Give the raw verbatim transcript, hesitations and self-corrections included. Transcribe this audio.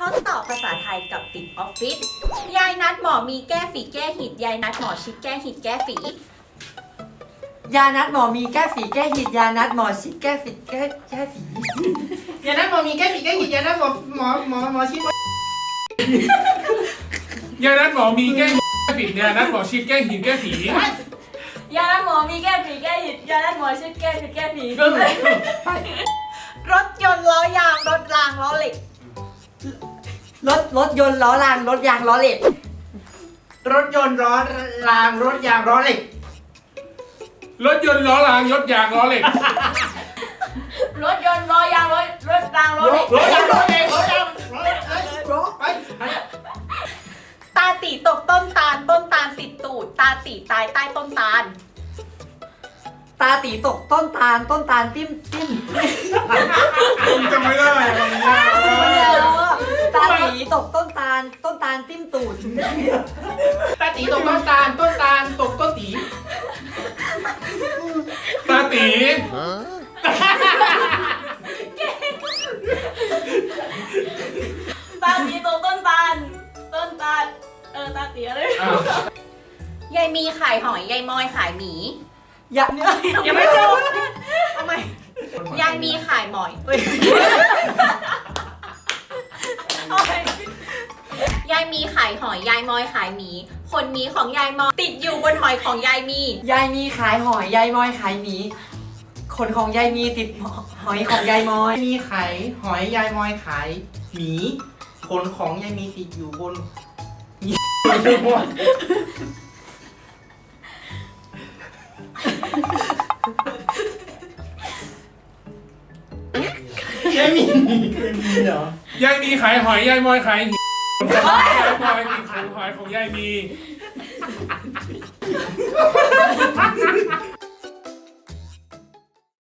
ทดสอบภาษาไทยกับติดออฟฟิศยายนัดหมอมีแก้ฝีแก้หิดยายนัดหมอชิดแก้หิดแก้ฝียานัดหมอมีแก้ฝีแก้หิดยานัดหมอชิดแก้ฝีแก้แก้ฝียานัดหมอมีแก้ฝีแก้หิดยานัดหมอหมอหมอหมอชิดยานัดหมอมีแก้ฝียานัดหมอชิดแก้หินแก้ฝียานัดหมอมีแก้ฝีแก้หิดยานัดหมอชิดแก้ฝีแก้ฝีรถยนต์ล้อยางรถรางล้อเหล็กรถรถยนต์ล้อรางรถยางล้อเหล็กรถยนต์ล้อรางรถยางล้อเหล็กรถยนต์ล้อรางยศยางล้อเหล็กรถยนต์ล้อยางรถรถรางรถเหล็กรถยางล้อเหล็กรถยางล้อเหล็กไปไปตาตีตกต้นตาลต้นตาลติดตูดตาตีตายใต้ต้นตาลตาตีตกต้นตาลต้นตาลติ้มติ้มผมจำไม่ได้คำนี้ตาตีตกต้นตาลต้นตาลติ้มตูดตาตีตกต้นตาลต้นตาลตกต้นตีตาตีตาตีตกต้นตาลต้นตาลเออตาตีอะไรอ้าวยายมีขายหอยยายมอยขายหมียาเนี่ยยังไม่จบทำไมยายมีขายหมอยเอ้ยยายมีขายหอยยายมอยขายหมีขนหมีของยายมอยติดอยู่บนหอยของยายมียายมีขายหอยยายมอยขายหมีขนของยายมีติดหอยของยายมอยมีขายหอยยายมอยขายหมีขนของยายมีติดอยู่บนยายมีเคยมีเหรอยายมีขายหอยยายมอยขายหินยายมอยมีของหอยของยายมี